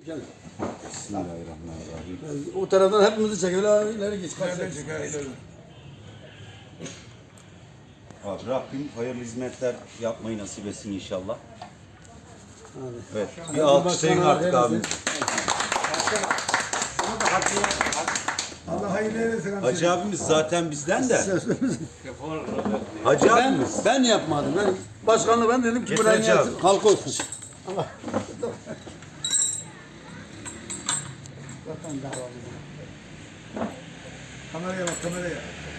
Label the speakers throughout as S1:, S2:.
S1: Gel.
S2: Bismillahirrahmanirrahim.
S1: O taraftan hepimizi çek. Öyle ileri geç.
S2: Abi Rabbim hayırlı hizmetler yapmayı nasip etsin inşallah. Evet. Bir alkışlayın artık abimiz.
S3: Allah hayırlı eylesin.
S2: Hacı abimiz zaten bizden de. Hacı abimiz.
S1: Ben yapmadım. Ben başkanlığı ben dedim ki
S2: Getir
S1: buraya
S2: Hacı abi.
S1: gelsin. Halk olsun. Allah.
S3: Kameraya bak kameraya.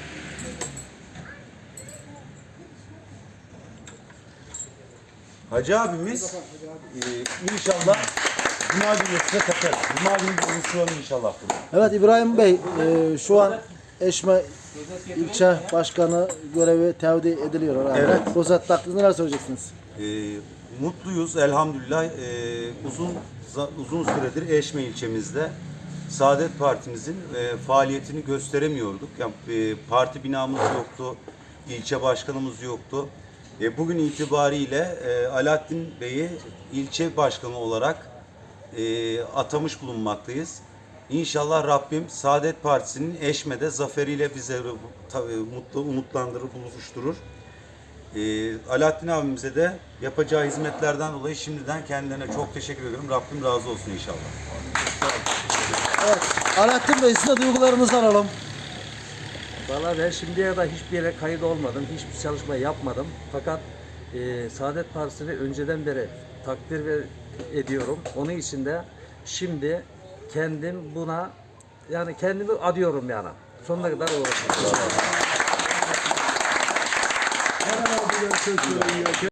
S2: Hacı abimiz inşallah Cuma günü size takar. Cuma günü buluşalım inşallah burada.
S4: Evet İbrahim Bey, şu an Eşme ilçe başkanı görevi tevdi ediliyor herhalde.
S2: Evet.
S4: Bu zat hakkında neler söyleyeceksiniz?
S2: Mutluyuz elhamdülillah. Uzun süredir Eşme ilçemizde Saadet Partimizin faaliyetini gösteremiyorduk. Yani, parti binamız yoktu, ilçe başkanımız yoktu. Bugün itibariyle Alaaddin Bey'i ilçe başkanı olarak atamış bulunmaktayız. İnşallah Rabbim Saadet Partisi'nin Eşme'de zaferiyle bizleri mutlu, umutlandırır, buluşturur. Alaaddin abimize de yapacağı hizmetlerden dolayı şimdiden kendilerine çok teşekkür ediyorum. Rabbim razı olsun inşallah.
S4: Evet, Alaaddin Bey size duygularınızı alalım.
S5: Valla ben şimdiye kadar hiçbir yere kayıt olmadım, hiçbir çalışma yapmadım. Fakat Saadet Partisi'ni önceden beri takdir ediyorum. Onun için de şimdi kendim buna, yani kendimi adıyorum yani. Sonuna kadar uğraşacağım.